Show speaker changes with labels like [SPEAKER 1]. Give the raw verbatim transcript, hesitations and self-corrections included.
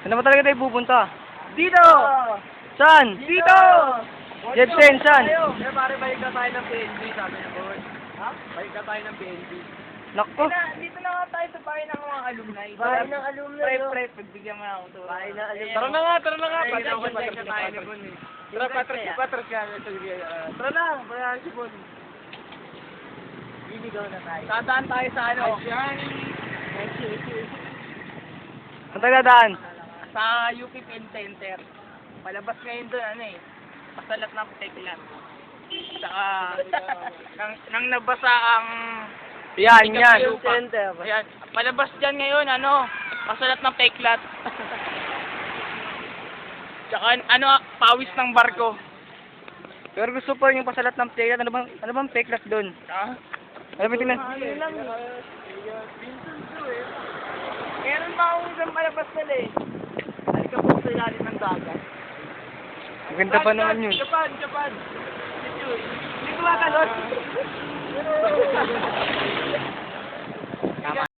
[SPEAKER 1] Saan ba talaga tayo pupunta?
[SPEAKER 2] Dito!
[SPEAKER 1] Saan?
[SPEAKER 2] Dito!
[SPEAKER 1] Jebsen, saan?
[SPEAKER 2] Eh, pare, balik na tayo ng P N B, sabi niya po. Ha? Balik na tayo ng P N B.
[SPEAKER 1] Nakko.
[SPEAKER 2] Dito na nga tayo sa bahay ng mga alumni.
[SPEAKER 3] Bahay ng alumni,
[SPEAKER 2] Pre,
[SPEAKER 3] no?
[SPEAKER 2] pre, pagbigyan mo ako to.
[SPEAKER 3] Bahay ng alumni.
[SPEAKER 2] Tara na nga, tara na nga.
[SPEAKER 3] Ay,
[SPEAKER 2] Patros,
[SPEAKER 3] patros,
[SPEAKER 2] patros,
[SPEAKER 3] patros,
[SPEAKER 2] tayo
[SPEAKER 3] patros.
[SPEAKER 2] ni Bon eh. Tara, patros, patros ka. Tara na, bayan si Bon.
[SPEAKER 3] Liligaw na tayo.
[SPEAKER 2] Tataan tayo sa ano?
[SPEAKER 1] Saan tayo dadaan?
[SPEAKER 2] Sa U P Pen Center. Palabas ngayon doon, ano eh. Pasalat ng teklat. Saka, nang, nang nabasa ang...
[SPEAKER 1] Yan, yan.
[SPEAKER 2] Yung center. Ayan. Palabas dyan ngayon, ano, pasalat ng peklat. Tsaka, ano, pawis ng barko.
[SPEAKER 1] Pero gusto pa rin yung pasalat ng peklat. Ano bang, ano bang peklat doon?
[SPEAKER 2] Ah?
[SPEAKER 1] Ano ba tingnan?
[SPEAKER 2] Ano lang eh. Meron pa akong isang palabas nila eh. Halika po sa ilalim ng dagat.
[SPEAKER 1] Maganda pa naman yun.
[SPEAKER 2] Japan, Japan. Hindi ko matalon.